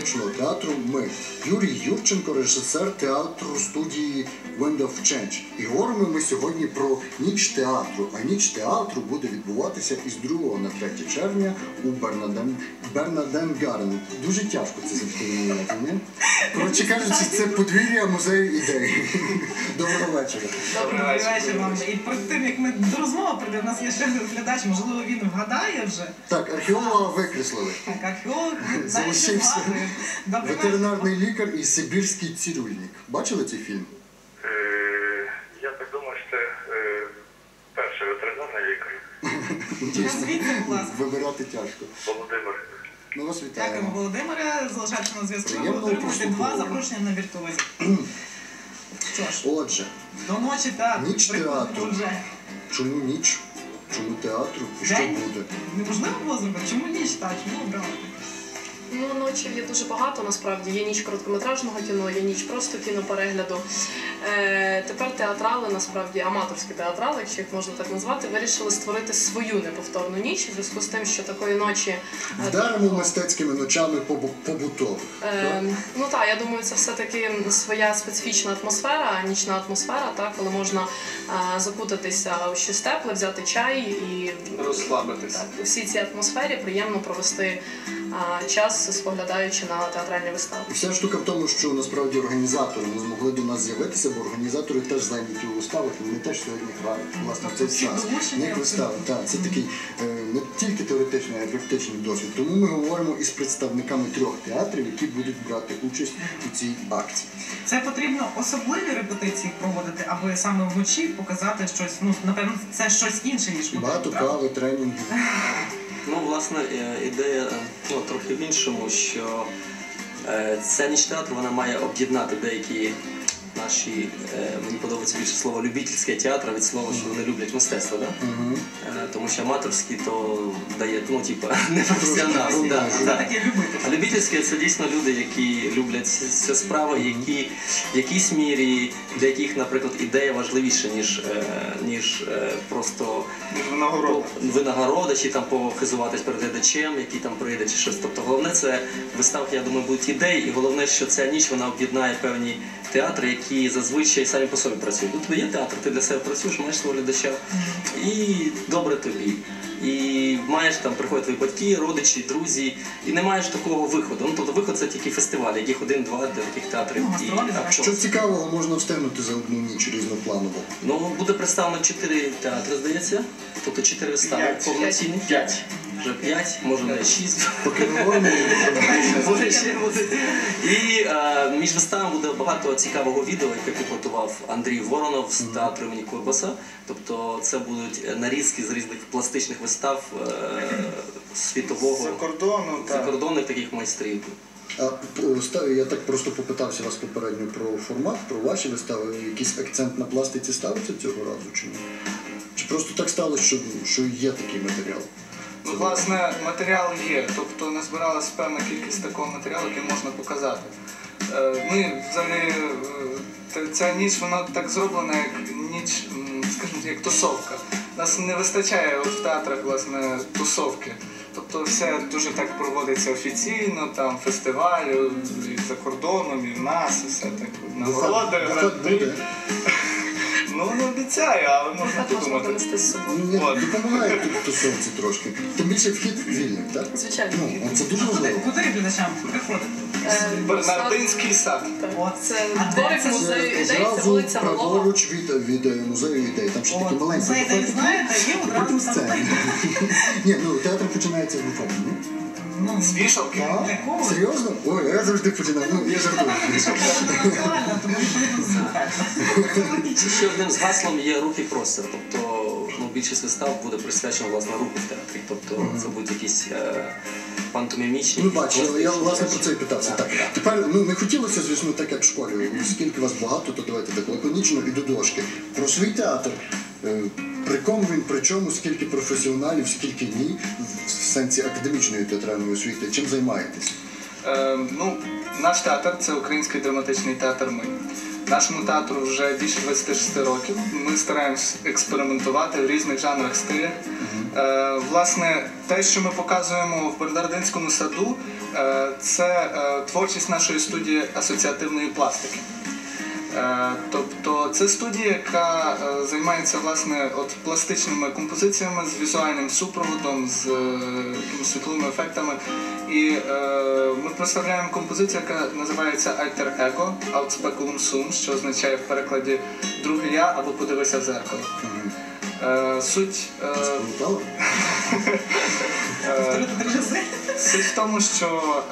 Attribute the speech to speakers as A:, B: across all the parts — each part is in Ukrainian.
A: драматичного театру «Ми». Юрій Юрченко, режисер театру студії Wind of Change. І говоримо ми сьогодні про ніч театру. А ніч театру буде відбуватися із 2 на 3 червня у Бернаден Гарден. Дуже тяжко це завжди. Коротше кажучи, це подвір'я музею ідей. Доброго вечора.
B: Доброго вечора вам. І перед тим, як ми до розмови прийде, у нас є ще глядач, можливо, він вгадає вже.
A: Так, археолога викреслили.
B: Так, археолог
A: залишився ветеринарний лікар і сибірський цирюльник. Бачили цей фільм?
C: Я так думаю, що це перший ветеринарний лікар.
B: Назвіться, будь ласка.
A: Вибирати тяжко.
C: Володимир.
A: Ми вас
B: Дякуємо,
A: вітаємо.
B: Володимире. Залишайтеся на зв'язку. Ви
A: Приємного
B: отримуєте 2
A: прослуховування.
B: запрошення на віртуозі. Що ж,
A: Отже,
B: до ночі театру.
A: ніч театру.
B: Приходимо вже.
A: Чому ніч? Чому театру? І що
B: День?
A: буде?
B: Неможливо було зробити? Чому ніч так? Чому обрали?
D: Ну, ночів є дуже багато, насправді. Є ніч короткометражного кіно, є ніч просто кіноперегляду. Тепер театрали, насправді, аматорські театрали, якщо їх можна так назвати, вирішили створити свою неповторну ніч, у зв'язку з тим, що такої ночі...
A: Вдаримо мистецькими ночами побутових.
D: Ну так, я думаю, це все-таки своя специфічна атмосфера, нічна атмосфера, так, коли можна закутатися у щось тепле, взяти чай і
E: розслабитися.
D: У всій цій атмосфері приємно провести час, споглядаючи на театральні вистави.
A: І вся штука в тому, що насправді організатори не змогли до нас з'явитися, бо організатори теж зайняті у виставах, і вони теж сьогодні грають, власне, в цей час. Не вистави. Так, це такий не тільки теоретичний, а й практичний досвід. Тому ми говоримо із представниками 3 театрів, які будуть брати участь у цій акції.
B: Це потрібно особливі репетиції проводити, аби саме вночі показати щось, ну, напевно, це щось інше, ніж буде.
A: Багато кави, тренінгів.
E: Ну, власне, ідея трохи в іншому, що ця ніч театру, вона має об'єднати деякі наші, мені подобається більше слово любительський театр, від слова, що вони люблять мистецтво, да? Тому що аматорський то дає, ну, типа, непрофесіонал. А любительське це дійсно люди, які люблять цю справу, які в якійсь мірі, для яких, наприклад, ідея важливіша, ніж просто винагорода, чи там похизуватись перед глядачем, який там прийде, чи щось. Тобто головне це виставки, я думаю, будуть ідеї, і головне, що ця ніч, вона об'єднає певні театри, які зазвичай самі по собі працюють. Тут є театр, ти для себе працюєш, маєш свого глядача, і добре тобі. І маєш там, приходять твої батьки, родичі, друзі, і не маєш такого виходу. Ну, тобто виход це тільки фестиваль, яких 1-2 таких театрів.
A: Що цікавого можна встигнути за одну ніч різнопланово?
E: Ну, буде представлено 4 театри, здається, тобто 4 вистави повноцінні. 5. Вже 5, може навіть 6.
A: Поки ми говоримо,
E: Може ще буде. І між виставами буде багато цікавого відео, яке підготував Андрій Воронов з театру імені Курбаса. Тобто це будуть нарізки з різних пластичних вистав світового, закордонних таких майстрів.
A: Я так просто попитався вас попередньо про формат, про ваші вистави. Якийсь акцент на пластиці ставиться цього разу чи ні? Чи просто так сталося, що є такий матеріал?
F: Ну, власне, матеріал є, тобто не збиралася певна кількість такого матеріалу, який можна показати. Ми взагалі, ця ніч, вона так зроблена, як ніч, скажімо, як тусовка. Нас не вистачає в театрах, власне, тусовки. Тобто все дуже так проводиться офіційно, там фестивалю, і за кордоном, і в нас, і все так. Нагороди, гранти. Ну, не обіцяю, але можна подумати.
A: Допомагає тут тусовці трошки. Тим більше вхід вільний, так?
D: Звичайно.
A: Ну, це дуже важливо.
B: Куди глядачам приходити?
F: Бернардинський сад.
D: Це дворик музею ідей, це
A: Зразу
D: вулиця Малова.
A: праворуч від музею ідей. Там ще такі маленькі
B: Музей ідей, знаєте, є одразу
A: сцени. Ні, ну театр починається з буфету, ні?
F: З вішалки.
A: Серйозно? Ой, я завжди починав. Ну, я жартую.
E: Ще одним з гаслом є рух і простір. Тобто більшість вистав буде присвячено, власне, руху в театрі. Тобто це будуть якісь пантомімічні.
A: Ну, бачу, я власне про це і питався. Так. Тепер, не хотілося, звісно, так як в школі. Оскільки вас багато, то давайте так лаконічно і до дошки. Про свій театр. При кому він, при чому, скільки професіоналів, скільки ні, в сенсі академічної театральної освіти, чим займаєтесь?
F: Наш театр – це Український драматичний театр «Ми». Нашому театру вже більше 26 років. Ми стараємось експериментувати в різних жанрах, стилях. Власне, те, що ми показуємо в Бернардинському саду, Це творчість нашої студії асоціативної пластики. Тобто це студія, яка займається власне пластичними композиціями з візуальним супроводом, з якимись світловими ефектами. І ми представляємо композицію, яка називається Alter Ego, Aut Speculum Sum, що означає в перекладі «Друге я» або «Подивися в зеркало». Суть в тому, що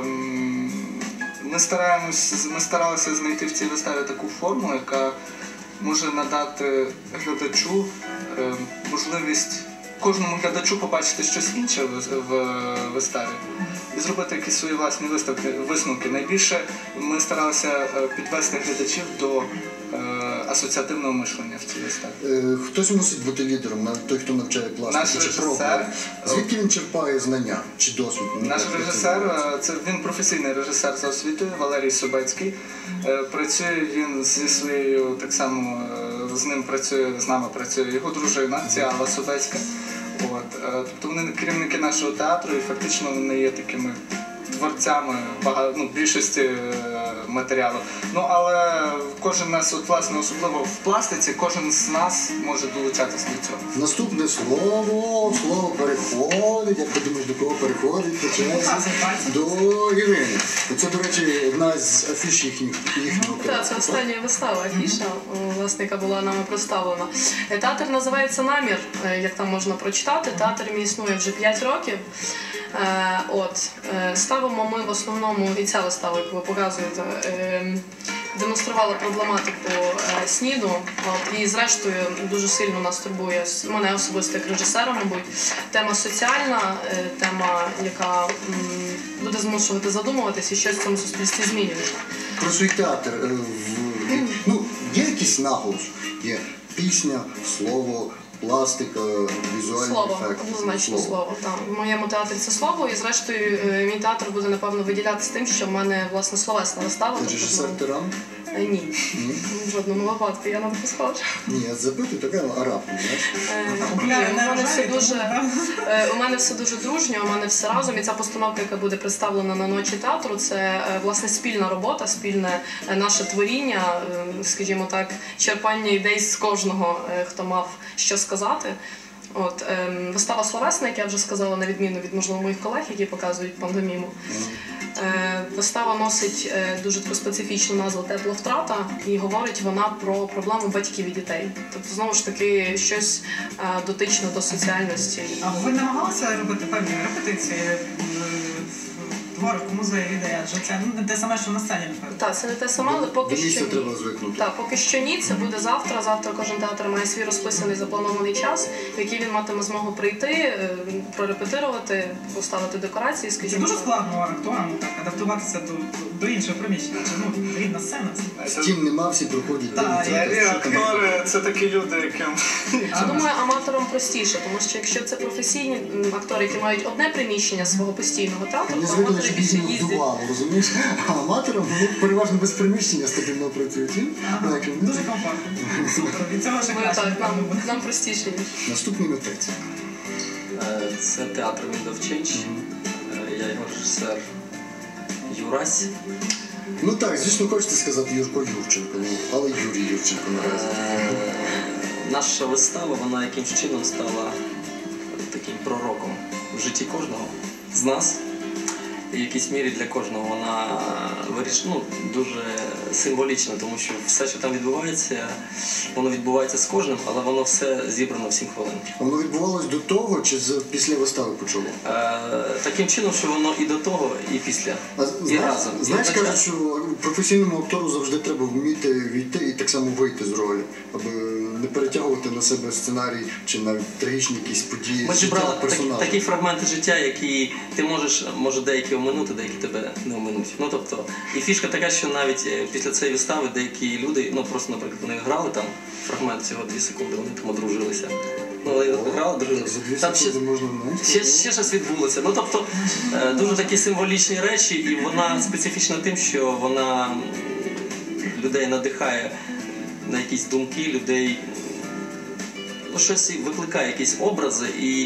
F: ми старалися знайти в цій виставі таку форму, яка може надати глядачу можливість кожному глядачу побачити щось інше в виставі і зробити якісь свої власні висновки. Найбільше ми старалися підвести глядачів до асоціативного мишлення в цій виставі.
A: Хтось мусить бути лідером, навіть той, хто навчає пластику.
F: Наш
A: чи
F: режисер.
A: пробує. Звідки він черпає знання чи досвід?
F: Наш режисер, він професійний режисер за освітою, Валерій Собецький. Працює він зі своєю, так само з нами працює його дружина, це Алла Собецька. Тобто вони керівники нашого театру і фактично вони є такими творцями більшості матеріалу. Але кожен нас, власне, особливо в пластиці, кожен з нас може долучатися до цього.
A: Наступне слово переходить, як ти думаєш, до кого переходить, по черзі? До Ірини. Це, до речі, одна з афіш їхніх.
D: Так, це остання вистава афіша, власне, яка була нами представлена. Театр називається «Намір», як там можна прочитати. Театр мій існує вже 5 років. Ставимо ми в основному, і ця вистава, яку ви показуєте, демонструвала проблематику СНІДу, і зрештою дуже сильно нас турбує, мене особисто як режисера, мабуть, тема соціальна, тема, яка буде змушувати задумуватися і щось в цьому суспільстві змінювати.
A: Про свій театр. Є якийсь наголос? Є пісня, слово, пластика, візуальний ефект.
D: Однозначно слово. В моєму театрі це слово, і зрештою мій театр буде, напевно, виділятися тим, що в мене, власне, словесна вистава.
A: Ти режисер тиран?
D: Ні. В жодному випадку, я не допускала.
A: Ні, я запитую, така арабка,
D: У мене все дуже дружньо, у мене все разом. І ця постановка, яка буде представлена на ночі театру, це, власне, спільна робота, спільне наше творіння, скажімо так, черпання ідей з кожного, хто мав що сказати. Вистава словесна, як я вже сказала, на відміну від, можливо, моїх колег, які показують пандоміму. Вистава носить дуже таку специфічну назву «Тепла втрата», і говорить вона про проблему батьків і дітей. Тобто, знову ж таки, щось дотичне до соціальності.
B: А ви намагалися робити певні репетиції творах у музеї ідея? Адже це не те саме, що на сцені, напевно.
D: Так, це не те саме, але поки що ні.
A: треба звикнути.
D: Так, поки що ні, це буде завтра. Завтра кожен театр має свій розписаний запланований час, в який він матиме змогу прийти, прорепетирувати, поставити декорації,
B: Це
D: скажімо.
B: дуже складно акторам адаптуватися до іншого приміщення. Рідна сцена.
A: Стін нема, всі проходять.
F: Актори – це такі люди, яким...
D: Я думаю, аматорам простіше, тому що якщо це професійні актори, які мають одне приміщення свого постійного театру, то аматори більше їздять.
A: Розумієш? А аматорам вони переважно без приміщення стабільно працюють.
B: Дуже комфортно. Супер. Від цього ще краще.
D: Нам простіше.
A: Наступний митець.
E: Це театр Wind of Change. Я його режисер Юрась.
A: Так, звісно, хочете сказати Юрко Юрченко, але Юрій Юрченко наразі.
E: Наша вистава, вона якимсь чином стала таким пророком в житті кожного з нас. І в якійсь мірі для кожного вона дуже символічна, тому що все, що там відбувається, воно відбувається з кожним, але воно все зібрано в 7 хвилин.
A: Воно відбувалось до того чи після вистави почало?
E: Таким чином, що воно і до того, і після, і разом.
A: Знаєш, кажуть, що професійному актору завжди треба вміти війти і так само вийти з ролі, аби не перетягувати на себе сценарій чи навіть трагічні якісь події.
E: Ми зібрали такі фрагменти життя, які ти може деякі оминути, деякі тебе не оминуть. Тобто, і фішка така, що навіть після цієї вистави деякі люди, просто, наприклад, вони грали там фрагмент всього 2 секунди, вони там одружилися. Вони грали, одружилися. Там ще щось відбулося. Тобто, дуже такі символічні речі, і вона специфічна тим, що вона людей надихає на якісь думки, людей щось викликає, якісь образи, і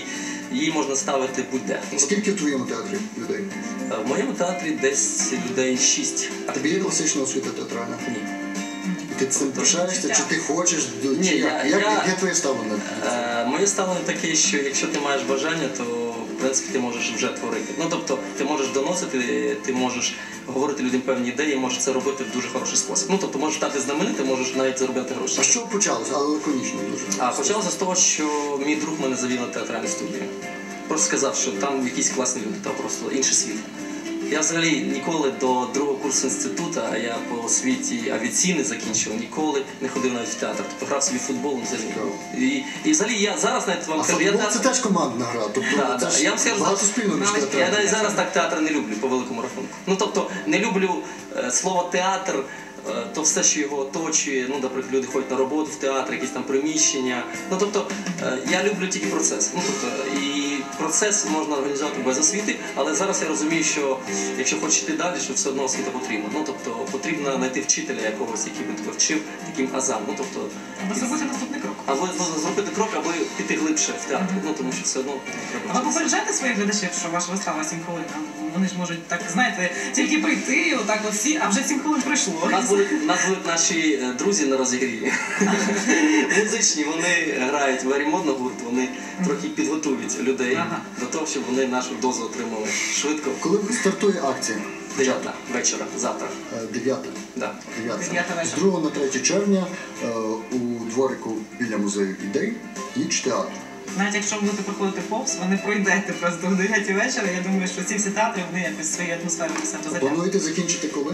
E: її можна ставити будь-де.
A: Скільки в твоєму театрі людей?
E: В моєму театрі десь людей 6.
A: А тобі є класична освіта театральна?
E: Ні.
A: Ти цим пишаєшся, чи ти хочеш?
E: Ні,
A: Чи
E: я-
A: яке твоє ставлення?
E: Моє ставлення таке, що якщо ти маєш бажання, то в принципі ти можеш вже творити. Ну тобто ти можеш доносити, ти можеш говорити людям певні ідеї, можеш це робити в дуже хороший спосіб. Ну тобто можеш стати знаменитим, можеш навіть заробляти гроші.
A: А що почалося? Але лаконічно дуже.
E: А почалося з того, що мій друг мене завів на театральну студію. Просто сказав, що там якісь класні люди, там просто інший світ. Я взагалі ніколи до другого курсу інституту, а я по освіті авіаційний закінчив, ніколи не ходив навіть в театр. Тобто грав собі в футбол, ну, взагалі. І взагалі я зараз навіть вам
A: А
E: кажу,
A: футбол це теж командна гра, тобто
E: Да,
A: це
E: да.
A: ж
E: Я вам скажу,
A: багато спільного між
E: я
A: театрами.
E: навіть зараз так театр не люблю по великому рахунку. Ну тобто не люблю слово театр, то все, що його оточує. Ну, наприклад, люди ходять на роботу в театр, якісь там приміщення. Ну тобто я люблю тільки процес. Ну тобто і процес можна організувати без освіти, але зараз я розумію, що якщо хочеш йти далі, що все одно освіта потрібна. Ну тобто потрібно знайти вчителя якогось, який би тебе вчив таким азам. Ну тобто
B: Або зробити наступний крок.
E: або зробити крок, аби піти глибше в театр. Ну тому що все одно
B: А
E: треба
B: ви
E: вчитися.
B: попереджаєте своїх глядачів, що ваша вистава 7 хвилин? Вони ж можуть так, знаєте, тільки прийти, отак от всі, а вже 7 хвилин пройшло.
E: У нас будуть наші друзі на розігріві. Музичні, вони грають в Арімодно гурт, вони трохи підготують людей
B: Ага.
E: до того, щоб вони нашу дозу отримали швидко.
A: Коли стартує акція?
E: 9 вечора, завтра.
A: 9.
E: Да.
A: 9.
B: Дев'ята вечора.
A: З 2 на 3 червня у дворику біля музею ідей ніч театру.
B: Навіть якщо ви будете проходити повз, ви не пройдете просто о 9 вечора. Я думаю, що ці всі театри, вони якось свою атмосферу для себе затягнуть.
A: Плануєте закінчити коли?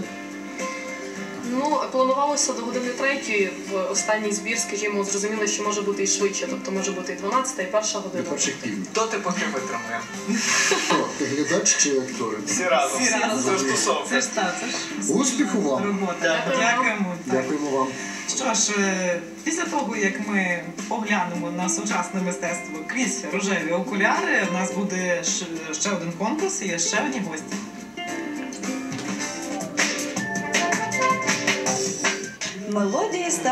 D: Ну, планувалося до години 3 в останній збір, скажімо, зрозуміли, що може бути і швидше, тобто може бути і 12, і 1
A: До
D: година.
A: перших півднів.
F: Хто ти поки витримує?
A: Хто? Ти глядач чи актори?
F: Всі разом.
B: Всі разом.
F: Це ж тусовка.
B: Це ж так, це ж
A: Успіху вам!
B: робота.
D: Дякую.
B: Дякуємо. Так.
A: Дякуємо вам.
B: Що ж, після того, як ми поглянемо на сучасне мистецтво крізь рожеві окуляри, в нас буде ще один конкурс і ще одні гості.
G: Мелодії